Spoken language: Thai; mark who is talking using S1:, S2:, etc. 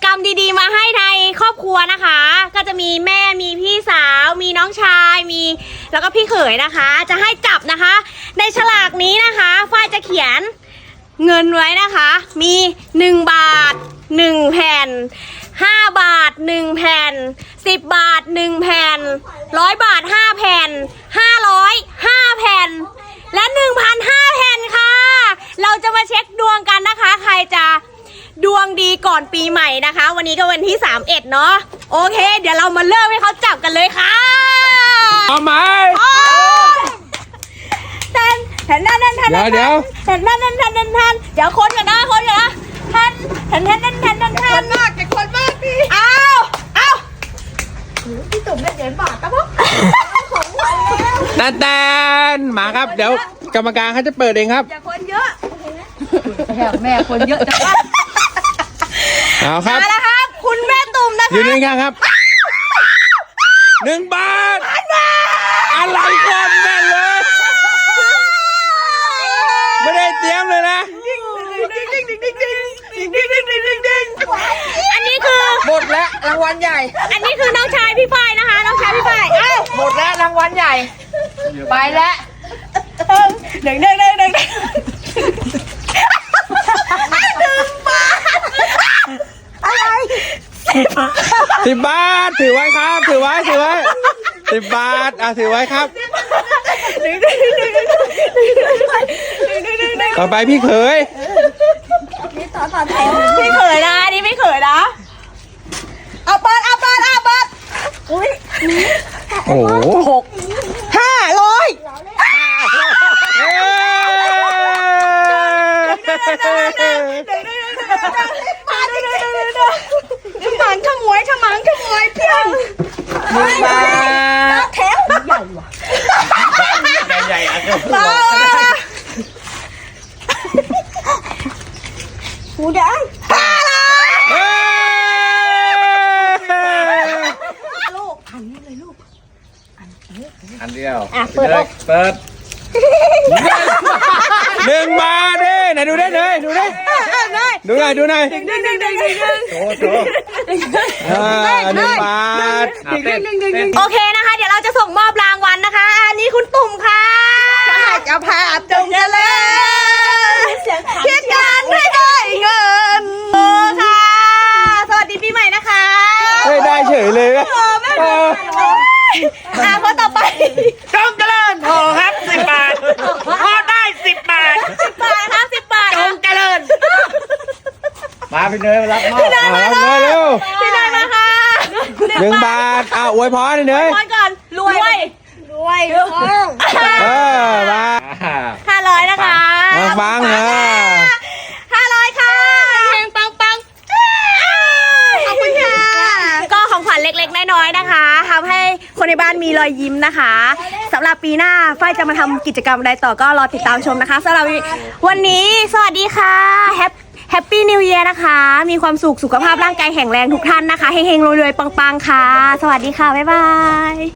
S1: รมดีๆมาให้ในครอบครัวนะคะก็จะมีแม่มีพี่สาวมีน้องชายมีแล้วก็พี่เขยนะคะจะให้จับนะคะในฉลากนี้นะคะฝ้ายจะเขียนเงินไว้นะคะมี1 บาท1 แผ่น5 บาท1 แผ่น10 บาท1 แผ่น100 บาท5 แผ่น500 5 แผ่นและ 1,000 5 แผ่นค่ะเราจะมาเช็คดวงกันนะคะใครจะดวงดีก่อนปีใหม่นะคะวันนี้ก็วันที่31เนาะโอเคเดี๋ยวเรามาเริ่มให้เขาจับกันเลยค่ะ
S2: เอาไหม
S1: แทนเดี๋ยวคนกันนะคนกันนะแทนมากแกคนมากพี่เอาพี่ตุ่มได้เหรียญบาทครับผมของวัน
S2: แล้วแตนมาครับเดี๋ยวกรรมการเขาจะเปิดเองครับ
S1: อย่าคนเยอะ
S3: แม่คนเยอะจัง
S2: เอาครับ
S1: มาแล้วครับคุณแม่ตุ่มนะคะ
S2: ยืนยันกันครับ1 บาทอะไรก่อนแม่เลยไม่ได้เตรียมเลยนะ
S1: อันนี้คือ
S3: หมดแล้วรางวัลใหญ่
S1: อันนี้คือน้องชายพี่ฝ้ายนะคะน้องชายพี่ฝ้าย
S3: หมดแล้วรางวัลใหญ่ไปแล้ว
S1: 1 บาทอะไร
S2: 10 บาทถือไว้ครับถือไว้10 บาทถือไว้ครับต่อไปพี่เขย
S1: ต่อแถวพี่เขยนะนี่พี่เขยนะเอาเปิดอุ้ย
S2: โอ้โห
S1: 500ฉมังขโมยเพียง
S2: 1 บาท
S1: แถวใหญ่หูได้ลูกอันนี้เลยลูก
S2: อันเดียว
S1: เปิด
S2: 1 บาทดิไหนดูได้เลยดูหน่อย1 บาท
S1: โอเคนะคะเดี๋ยวเราจะส่งมอบรางวัลนะคะอันนี้คุณตุ่มค่ะจะพาจงเจริญคิดการให้ได้เงินโอ้ค่ะสวัสดีปีใหม่นะคะ
S2: ได้เฉยเลย
S1: คนต่อไป
S3: จงเจริญโหครับ10 บาทพอได้10 บาท
S1: ครับ10 บาท
S3: จงเจริญ
S2: มาพี่เนยมารับมอบรับเลยเร็ว
S1: พี่เนยมาค่ะ
S2: 1 บาทอวยพรเนย
S1: อวยพรก่อนรวยมา500นะคะ
S2: ฟัง
S1: 500ค่ะเพลงปังขอบคุณค่ะก็ของขวัญเล็กๆน้อยๆนะคะทำให้คนในบ้านมีรอยยิ้มนะคะสำหรับปีหน้าฝ้ายจะมาทำกิจกรรมอะไรต่อก็รอติดตามชมนะคะสำหรับวันนี้สวัสดีค่ะแฮปปี้นิวเยียร์นะคะมีความสุขสุขภาพร่างกายแข็งแรงทุกท่านนะคะเฮงๆรวยๆปังๆค่ะสวัสดีค่ะบ๊ายบาย